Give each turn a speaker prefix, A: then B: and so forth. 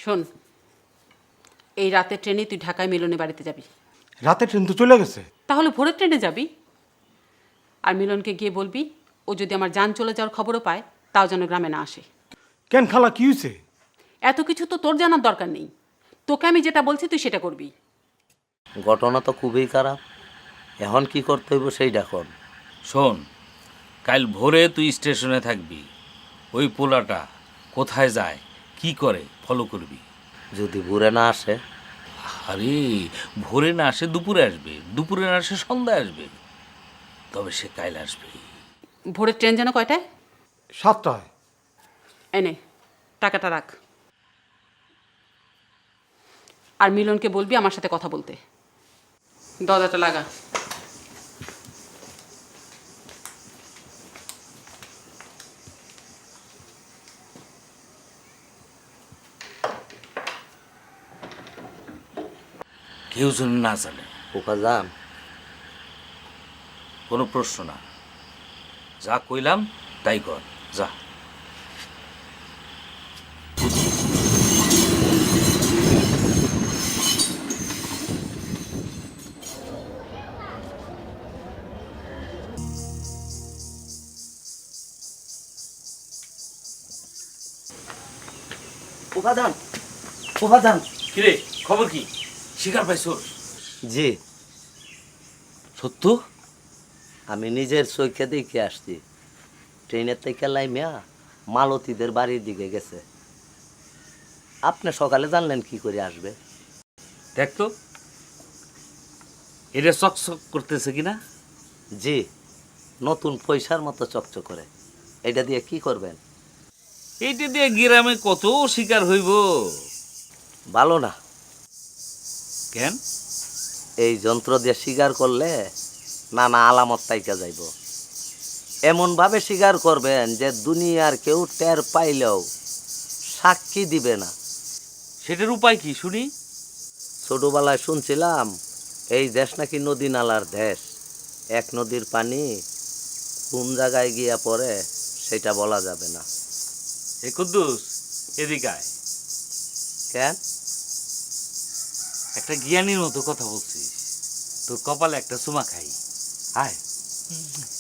A: শোন, এই রাতের ট্রেনে তুই ঢাকায় মিলনের বাড়িতে যাবি।
B: রাতে ট্রেন তো চলে গেছে।
A: তাহলে ভোরের ট্রেনে যাবি। আর মিলনকে গিয়ে বলবি ও যদি আমার যান চলে যাওয়ার খবরও পায় তাও যেন গ্রামে না আসে।
B: কেন খালা, কি হয়েছে?
A: এত কিছু তো তোর জানার দরকার নেই। তোকে আমি যেটা বলছি তুই সেটা করবি।
C: ঘটনা তো খুবই খারাপ। এখন কি করতে হইব সেইটা কর।
D: শোন, কাল ভোরে তুই স্টেশনে থাকবি। ওই পোলাটা কোথায় যায় কি করে ফলো করবি।
C: যদি ঘুরে না আসে?
D: আরে ভোরে না আসে দুপুরে আসবে, দুপুরে না আসে সন্ধ্যায় আসবে, তবে সে কাল আসবে।
A: ভোরের ট্রেন যেন কয়টায়?
B: 7টায়।
A: এনে টাকাটা রাখ। আর মিলনকে বলবি আমার সাথে কথা বলতে। দরজাটা লাগা।
D: কেউ যেন না জানে।
C: খোকা যান।
D: কোনো প্রশ্ন না, যা কইলাম তাই কর, যা।
C: উপাদান, উপাদান।
D: কিরে খবর কি? শিকার পাইছোস?
C: জি,
D: সত্য?
C: আমি নিজের চোখে দেখে আসছি। ট্রেনের থেকে লাইমিয়া মালতীদের বাড়ির দিকে গেছে। আপনি সকালে জানলেন কি করে আসবে?
D: দেখ তো এটা চকচক করতেছে কিনা।
C: জি, নতুন পয়সার মতো চকচক করে। এটা দিয়ে কি করবেন?
D: এইটা দিয়ে গ্রামে কত শিকার হইব।
C: ভালো না।
D: কেন?
C: এই যন্ত্র দিয়ে শিকার করলে নানা আলামত তাইকা যাইব। এমনভাবে শিকার করবেন যে দুনিয়ার কেউ টের পাইলেও সাক্ষী দিবে না।
D: সেটার উপায় কি শুনি?
C: ছোটবেলায় শুনছিলাম এই দেশ নাকি নদী নালার দেশ। এক নদীর পানি কোন জায়গায় গিয়া পড়ে সেটা বলা যাবে না।
D: হে কুদ্দুস, এদিকে আয়।
C: কেন?
D: একটা জ্ঞানীর মতো কথা বলছিস, তোর কপালে একটা চুমা খাই। আয়।